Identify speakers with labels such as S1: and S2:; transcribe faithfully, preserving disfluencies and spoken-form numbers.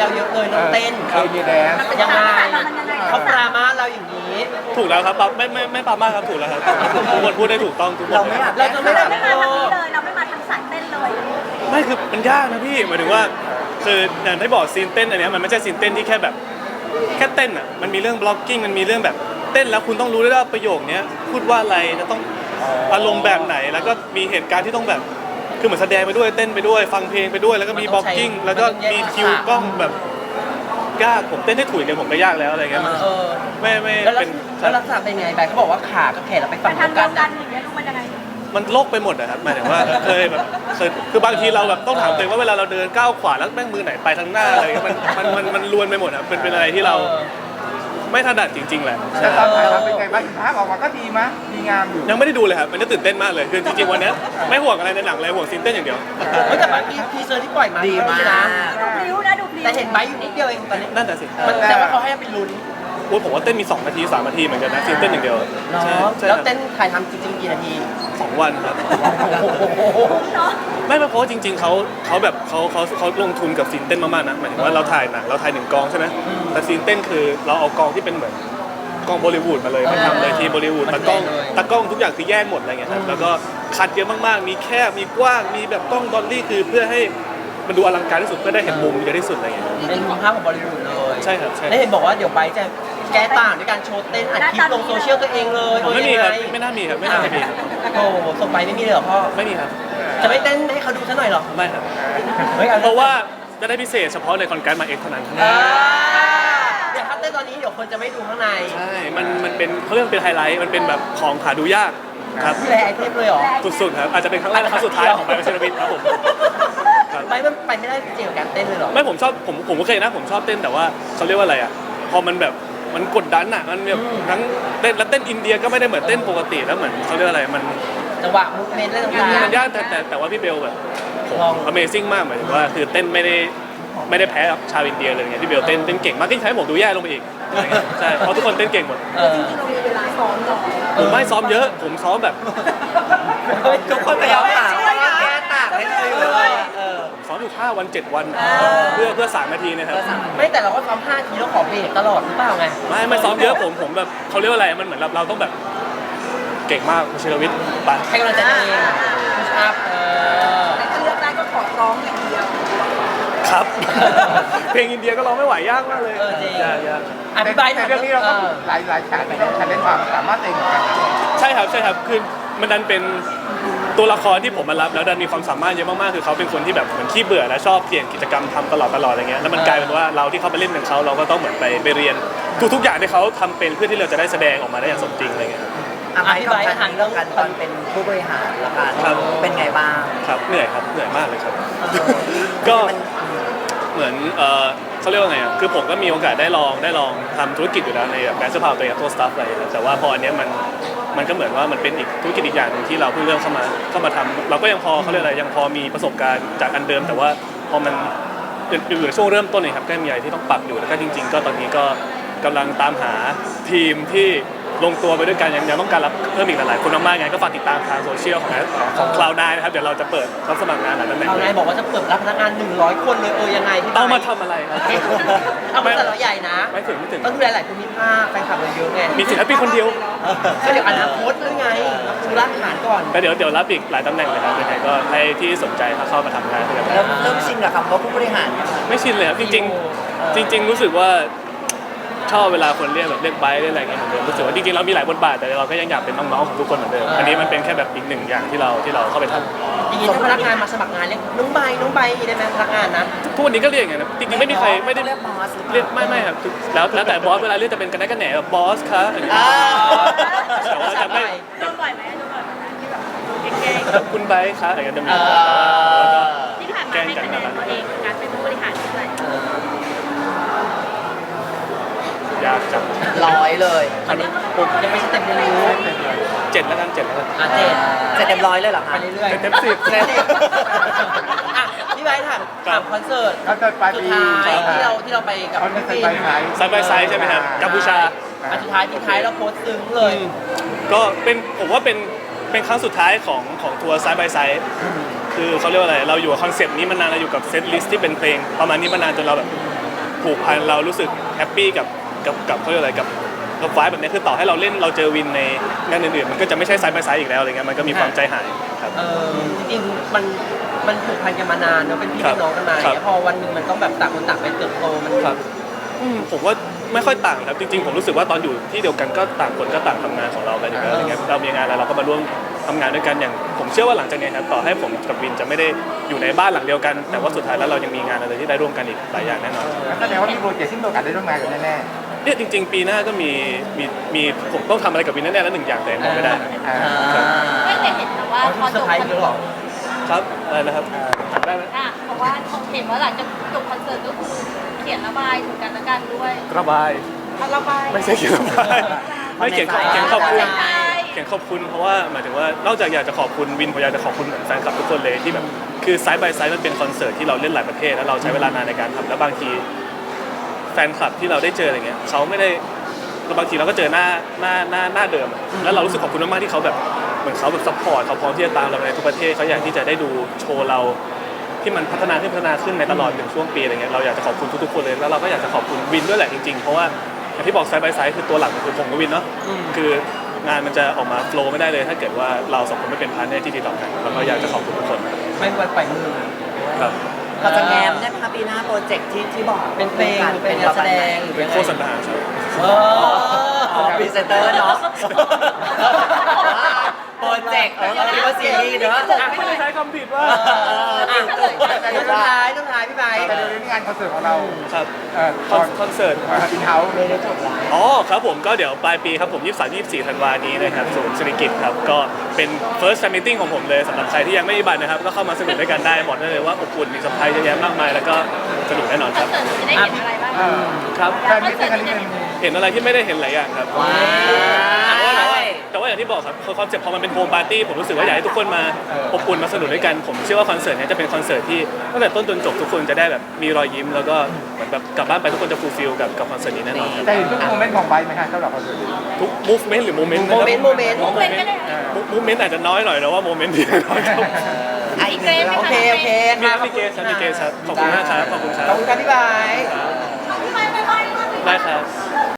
S1: วเยอะเลยน้องเต้น
S2: เคยมีแดน
S1: ยังไงเขาปรามาเราอย่างนี้
S3: ถูกแล้วครับไม่ไม่ไม่ปามาครับถูกแล้วครับทุกคนพูดได้ถูกต้องทุกคน
S2: เราไม่อยาก
S1: เราจะไม่ได้
S4: ไม่มาทางนี้เลยเราไม่มาทางสายเต้นเลย
S3: ไม่คือมันยากนะพี่หมายถึงว่าคืออย่างที่บอกซีนเต้นอันเนี้ยมันไม่ใช่ซีนเต้นที่แค่แบบแค่เต้นอ่ะมันมีเรื่องบล็อกกิ้งมันมีเรื่องแบบเต้นแล้วคุณต้องรู้ด้วยว่าประโยคเนี้ยพูดว่าอะไรจะต้องอารมณ์แบบไหนแล้วก็มีเหตุการณ์ที่ต้องแบบคือเหมือนแสดงไปด้วยเต้นไปด้วยฟังเพลงไปด้วยแล้วก็มีบล็อกกิ้งแล้วก็มีคิวกล้องแบบยากผมเต้นให้ถูกเนี่ยผมก็ยากแล้วอะไรเงี้ยมัน
S1: เออ
S3: ไม่ไม่
S1: แล้วลั
S3: เป็
S1: ก
S3: น
S1: ษณะแล้วลักษณะเป็นไงแบบเขาบอกว่าขากับแขนเราไป
S4: ไป
S1: ฝั่ง
S4: ทาง
S1: เดียว
S4: เดี
S1: กั
S4: ยวน กันอย่างเงี้ยรู้มันยังไง
S3: มันโลกไปหมดอะครับหมายถึงว่าเคยแบบเคยคือบางทีเราแบบต้องถามตัวเองว่าเวลาเราเดินก้าวขวาแล้วแม่งมือไหนไปทางหน้าอะไรเงี้ยมันมันมันมันลวนไปหมดอะเป็นเป็นอะไรที่เราไม่ถนัดจริงๆแหละ
S2: แต่ตอนถ่ายทำเป็นไงบ้างภาพออกมาก็ดีมั้ยดีงามอยู่
S3: ยังไม่ได้ดูเลยครับมันจะตื่นเต้นมากเลยคือจริงๆวันเนี้ยไม่ห่วงอะไรในหนังเลยห่วงซีนเต้นอย่างเดียว
S1: เฮ้ยแต่บางทีทีเซอร์ที่ปล่อยมา
S2: ดีมาก
S1: นะ
S4: ดูพลิ้วนะดูพลิ้ว
S1: แต่เห็นไบค์อยู่นิดเดียวเองตอนนี้
S3: นั่นแต่สิ
S1: มันแต่ว่าเขาให้เป็นลุ้น
S3: โอ้ยผมว่าเต้นมีสองนาทีสามนาทีเหมือนกันนะซีนเต้นอย่างเดียว
S1: เนาะ
S3: ใช่ใช่
S1: แล้ว
S3: ครับ
S1: เต้นถ่ายทำจริงๆกี่นาที
S3: สองวันครับ
S4: เนาะ
S3: ไม่ไม่เพราะว่าจริงๆเขาเขาแบบเขาเขาเขาลงทุนกับซีนเต้นมากๆนะหมายถึงว่าเราถ่ายหนังเราถ่ายหนึ่งกองใช่ไหมแต่ซีนเต้นคือเราเอากองที่เป็นเหมือนกองบอลิวูดมาเลยมาทำเลยทีมบอลิวูดตากล้องตากล้องทุกอย่างคือแยกหมดอะไรเงี้ยครับแล้วก็คัดเยอะมากๆมีแคบมีกว้างมีแบบกล้องดอลลี่คือเพื่อให้มันดูอลังการที่สุดเพื่อได้เห็นมุมเยอะที่สุดอะไรเงี้ย
S1: เป็นภาพของบอลลีวูดเลย
S3: ใช่ครับใช่
S1: แล้วเห็นบอกว่าเดี๋ยวไบค์จะแก้ต่างด้วยการโชว์เต้นอัดคลิปลงโซเชียลตัวเองเลย
S3: ผมไม่มีครับ
S1: เออยังง
S3: ไม่น่ามีครับไม่น่าจะมีครับ
S1: โอ้โหส่งไปไม่มีเลยเหรอพ่อ
S3: ไม่มีครับ
S1: จะไม่เต้นให้เขาดูซะหน่อยเหรอ
S3: ไม่ครับ
S1: เฮ้ยอ
S3: เพราะว่าจะได้พิเศษเฉพาะในคอนการ์ดมาเอ็กเท่านั้น
S1: อ่าเดี๋ยวถ้าเต้นตอนนี้เดี๋ยวคนจะไม่ดูข้างใน
S3: ใช่มันมันเป็นเขาเรียกว่าเป็นไฮไลท์มันเป็นแบบของหาดูยากครับ
S1: แรไอเทมเลยเหรอ
S3: สุดๆครับอาจจะเป็นครั้งแรกและครั้งสุดท้ายของไบร์ทเชนวิทครับผมครับ
S1: ไบค์มันไปไม่ได้จริงกับการเต้นเลยเหรอ
S3: ไม่ผมชอบผมผมก็เคยนะผมชอบเต้นแต่ว่าเขาเรียกว่าอะไรอ่ะพอมันแบบมันกดดันอ่ะมันแบบทั้งเต้นแล้วเต้นอินเดียก็ไม่ได้เหมือนเต้นปกติแล้วเหมือนเขาเรียกว่าอะไรมัน
S1: จังหวะมูฟเมนต์อะไรต่างๆ
S3: มันยากแต่แต่แต่ว่าพี่เบลแบบผม
S1: ลอง
S3: Amazing มากหมายถึงว่าคือเต้นไม่ได้ไม่ได้แพ้กับชาวอินเดียเลยไงพี่เบลเต้นเต้นเก่งมากที่ใช้ผมดูแย่ลงไปอีกอะไรเงี้ยใช่เพราะทุกคนเต้นเก่งหมด
S1: เออ
S3: ผมไม่ซ้อมเยอะผมซ้อมแบบ
S1: เฮ้ยทุกคนพยายามหาว่าแก้ต่างให้เลยเออ
S3: ซ้อมอยู่ห้าวันเจ็ดวันเพื่อเพื่อสามนาทีนะครับ
S1: ไม่แต่เราก็ซ้อมห้าทีแล้วขอเบรกตลอดหรือเปล่าไง
S3: ไม่ไม่ซ้อมเยอะผมผมแบบเขาเรียกว่าอะไรมันเหมือนเราเราต้องแบบเก่งมากชิรวิทย์ไป
S1: ให้กำลังใจตัวเองพุชอัพเออ
S4: แต่ถ้าเลือกได้ก็ขอร้องอย่างเดียว
S3: ครับ เพลงอินเดียก็ร้องไม่ไหวยากมากเลย
S1: เออจริง
S3: ยากยาก
S1: อธิบายหน่
S2: แต่
S1: อย
S2: เรื่องนี้เรา
S1: เอ
S2: ต้อง
S1: อ
S2: หลายหลายฉากที่ต้องใช้เล่นความสามารถเองเหมือนกันนะ
S3: ใช่ครับใช่ครับคือมันดันเป็นตัวละครที่ผมมารับแล้วดันมีความสามารถเยอะมากๆคือเขาเป็นคนที่แบบเหมือนขี้เบื่อและชอบเปลี่ยนกิจกรรมทำตลอดตลอดอะไรเงี้ยแล้วมันกลายเป็นว่าเราที่เขาไปเล่นกับเขาเราก็ต้องเหมือนไปไปเรียนทุกๆอย่างที่เขาทำเป็นเพื่อที่เราจะได้แสดงออกมาได้อย่างสมจริงอะไรเงี้ย
S1: อธิบายหันเรื่องกัน
S5: ตอนเป็นผู้บริหารละกัน
S3: ครับ
S5: เป็นไงบ้าง
S3: ครับเหนื่อยครับเหนื่อยมากเลยครับ ก็เหมือนเออเขาเรียกว่าไงอ่ะคือผมก็มีโอกาสได้ลองได้ลองทำธุรกิจอยู่แล้วในแบบแบรนด์เสื้อผ้าตัวเองกับตัวสตาฟอะไรอย่างเงี้ยแต่ว่าพออันเนี้ยมันมันก็เหมือนว่ามันเป็นอีกธุรกิจอีกอย่างหนึงที่เราเพิ่งเริ่มเข้ามาเข้ามาทำเราก็ยังพอเขาเรียกอะไรยังพอมีประสบการณ์จากอันเดิม แต่ว่าพอมันอยู่ในช่วงเริ่มต้นเลยครับก็มีอะไรที่ต้องปรับอยู่แล้วก็จริง ๆ ก็ตอนนี้ก็กำลังตามหาทีมที่ลงตัวไปด้วยกันยังยังต้องการรับเพิ่มอีกหลายๆคนมากๆไงก็ฝากติดตามทางโซเชียลของของคลาวด์ไนน์นะครับเดี๋ยวเราจะเปิดรับสมัครงานหลายตำแหน่ง
S1: เอานายบอกว่าจะเปิดรับพนักงานหนึ่งร้อยคนเลยเออยังไงที่
S3: เอามาทำอะไรครับ
S1: เอามาแต่เราใหญ่นะ
S3: ไม่ถึงไม่ถึง
S1: ต้องดูแลหลายภูมิภาคแฟนคลับเราเยอะไง
S3: มีศิลปินคนเดียว
S1: ก็เดี๋ยวอนาคตด้วยไงดูรากฐานก่อน
S3: แล้วเดี๋ยวเดี๋ยวรับอีกหลายตำแหน่งเลยครับยังไงก็ให้ที่สนใจเข้ามาทำงานด้วยกัน
S5: เริ่มเริ่มชินกับคำว่าผู้บริหารเนี่ย
S3: ไม่ชินเลยครับจริงๆจริง ๆ รู้สึกว่าชอบเวลาคนเรียกแบบเรียกไบค์เรียกอะไรเงี้ยเหมือนเดิมรู้สึกว่าจริงๆเรามีหลายบทบาทแต่เราก็ยังอยากเป็นน้องๆของทุกคนเหมือนเดิมอันนี้มันเป็นแค่แบบอีกหนึ่งอย่างที่เราที่เราเข้าไปทำ
S1: อย่างนี้ถ้าพนักงานมาสมัครงานเรียกน้องใบน้องใบได้ไหมพนักงานนะ
S3: ทุกวันนี้ก็เรียกอย่างนั้นนะจริงๆไม่มีใครไม่ได้
S5: เรียกบอสหรือเปล่า
S3: เรียกไม่ไม่ครับแล้วแล้วแต่บอสเวลาเรียกจะเป็นกันได้กันแหนแบบบอสคะอะไรอย่างเงี้ยแต่ว่าจะไม่
S4: โดนบ่อยไหมโดนบ่อยไหมที่แบบเก่ง
S3: คุณไบค์คะอะไรอย่างเงี้ยจะมี
S1: เออ
S3: แล้วก็
S4: ๆที่ผ่าน
S3: แก
S4: มา
S3: ล้ง
S4: ให้
S3: กัน
S4: คะแน
S3: นะ
S4: นตัวเองการเป็นผู้บริหารเท่าไหร่
S3: ยากจัง
S5: ร้อยเลย
S1: อันนี้ผมยังไม่สเต็ปเรียนรู้
S3: เจ็ดแล้วกันเจ็ดแล้วกัน
S1: อ่ะเจ็ด
S5: เสร็จเต็มร้อยเลยเหรอ
S1: ไป
S5: คะ
S1: เรื่อย
S3: เจ็ดเต็มสิบ
S1: ๆอ่ะพี่ใบถามถามคอนเสิร์ต
S2: เขาจะปลาย
S1: สุด
S2: ปี
S1: ท้ายที่เราที่เราไปกับ
S2: เขาจะ
S1: พี่
S2: ไป
S1: ฟิล์ม
S2: ไหน
S3: ไซด์บายไซด์ใช่ไหมครับกัมพูชา
S1: อันสุดท้ายทิ้งท้ายเราโพสต์ซึ้งเลย
S3: ก็เป็นผมว่าเป็นเป็นครั้งสุดท้ายของของทัวร์ไซด์บายไซด์คือเขาเรียกว่าอะไรเราอยู่กับคอนเซปต์นี้มานานเราอยู่กับเซตลิสต์ที่เป็นเพลงประมาณนี้มานานจนเราแบบผูกพันเรารู้สึกแฮปปี้กับกับกับเขาเรียกอะไรกับกับไฟแบบนี้คือต่อให้เราเล่นเราเจอวินในงานอื่นๆมันก็จะไม่ใช่ไซด์บายไซด์อีกแล้วอะไรเงี้ยมันก็มีความใจหายครับ
S6: เออจริงๆมันมันผูกพันกันมานานเนอะเป็นพี่
S3: ครับ
S6: เป็นน้องกันมา
S3: ครับ
S6: พอวันหนึ่งมันต้องแบบต่างคนต่างไปเติบโตมัน
S3: ครับอืมผมว่าไม่ค่อยต่างครับจริงๆผมรู้สึกว่าตอนอยู่ที่เดียวกันก็ต่างคนก็ต่างทำงานของเรากันอยู่แล้วอะไรเงี้ยเรามีงานอะไรเราก็มาร่วมทำงานด้วยกันอย่างผมเชื่อว่าหลังจากนี้ครับต่อให้ผมกับวินจะไม่ได้อยู่ในบ้านหลังเดียวกัน แต่ว่าสุดท้ายแล้วเรายังมีงานอะไรที่ได้ร่วมกันอีกหลายอย่างแน่นอน
S2: แสดงว่ามีโปรเจกต์ที่มีโอกาสได้ร่วมงานกันแน่
S3: เนี่ยจริง ๆ ปีหน้าก็มีมีมีผมต้องทำอะไรกับวินแน่ๆแล้วหนึ่งอย่างแต่บอกไม่ได้
S2: ๆอ่า
S4: ไม่เคยเห็นแต่ว่า
S6: อ๋อ
S4: พอ
S6: เซอ
S4: จ
S6: ร์
S4: บ
S6: ไพรส์เยอะหรอ
S3: ครับอะไรนะครับถามได้ไหม
S4: อ่ะเพราะว่าเห็นว่าหลังจากจบคอนเสิร์ตก็คือเขียนระบายถึงกันและกันด้วย
S3: ระบาย
S4: เอาระบาย
S3: ไม่ใช่เขียนระบายไม่เขียนขอบเขียนขอบคุณ
S4: ใช่
S3: เขียนขอบคุณเพราะว่าหมายถึงว่านอกจากอยากจะขอบคุณวินผมอยากจะขอบคุณเหมือนแฟนคลับทุกคนเลยที่แบบคือไซด์บายไซด์มันเป็นคอนเสิร์ตที่เราเล่นหลายประเทศแล้วเราใช้เวลานานในการทำแล้วบางทีแฟนคลับที่เราได้เจออะไรเงี้ยเขาไม่ได้บางทีเราก็เจอหน้าหน้าหน้าหน้าเดิมอะแล้วเรารู้สึกขอบคุณมากๆที่เขาแบบเหมือนเขาแบบซัพพอร์ตเขาพร้อมที่จะตามเราไปในทุกประเทศเขาอยากที่จะได้ดูโชว์เราที่มันพัฒนาขึ้นพัฒนาขึ้นในตลอดหนึ่งช่วงปีอะไรเงี้ยเราอยากจะขอบคุณทุกๆคนเลยแล้วเราก็อยากจะขอบคุณวินด้วยแหละจริงๆเพราะว่าอย่างที่บอกไซด์บายไซด์คือตัวหลักคือผมกับวินเนาะคืองานมันจะออกมาโฟล์ไม่ได้เลย ถ้าเกิดว่าเราสองคนไม่เป็นพาร์ทเนอร์ที่ดีต่อกันแล้วก็อยากจะขอบคุณทุกคน
S6: ไม่วันปล่อยมือ
S3: ครับ
S5: เราจะแง้มได้ไหมคะปีหน้าโปรเจกต์ที่ที่บอก
S6: เป็นเพลงหรือเป็นงานแสดงหรือ
S3: เป็น
S6: ยังไง
S3: โฆษณาครับ
S6: เออ
S5: อ๋อพรีเซนเตอร์เนาะโปรเจกต์เออเราคิดว่าซีรีส์เนาะ
S3: ไม่ได้ใช้คำผิดว่า
S6: อ่ะสุดท้ายสุดท้ายพี่ไบร์ท
S2: แต่เดี๋ยวนี้งานคอนเสิร์ตของเรา
S3: ครับ
S2: เอ่อ
S3: คอนคอนเสิร์ต
S2: อินเฮ้าส์
S5: ไม่ได้จบแล้ว
S3: อ๋อครับผมก็เดี๋ยวปลายปีครับผมยี่สิบสาม ยี่สิบสี่ธันวานี้นะครับศูนย์เศรษฐกิจครับก็เป็น first fan meeting ของผมเลยสำหรับใครที่ยังไม่มีบัตรนะครับก็เข้ามาสนุกด้วยกันได้บอกได้เลยว่าอบอุ่นมีเซอร์ไพรส์เยอะแยะมากมายแล้วก็สนุกแน่นอน
S4: ค
S3: ค
S4: อน
S3: รับ
S4: เสิร์ตจะได้เห็นอะไรบ้าง
S2: เออ
S3: ครับ
S2: แฟนมิตติ้งกันนิดนึง
S3: เห็นอะไรที่ไม่ได้เห็นหลายอย่างครับ
S5: ว้าว
S3: แต่ว่าแต่ว่าแต่ว่าอย่างที่บอกครับคอนเซ็ปต์พอมันเป็นโฮมปาร์ตี้ผมรู้สึกว่าอยากให้ทุกคนมาอบอุ่นมาสนุกด้วยกันผมเชื่อว่าคอนเสิร์ตเนี้จะเป็นคอนเสิร์ตที่ตั้งแต่ต้นจนจบทุกคนจะได้แบบมีรอยยิ้มแล้วก็เหมือนแบบกลับบ้านไปทุกคนจะฟูลฟิลกับกับคอนเสิร์ตนี้แน่นอนครับ
S2: แต่เห็นทุกโมเมนต์ของไบค์ไหมคะสำหรับคอนเสิร์ตนี้
S3: ทุก movement หรือ moment
S6: โมเมนต์โมเมนต์
S4: โมเมนต์ก็ได้
S3: มูเมนต์อาจจะน้อยหน่อยแต่ว่าโมเมนต์ที่น้อยครับ
S5: อ่ะอีก
S4: เกร
S5: หนึ่
S4: ด
S5: ง
S4: ไหม
S6: โอ
S4: คะ
S6: เคโอเค
S3: มีมีเกสครับมีเกสครับขอบคุณมากครับขอบคุณครั
S6: ขอบบ คุณครับพี่ไบร์ท
S4: ไม่ไม่ไม่ไม่
S3: ได้ครับ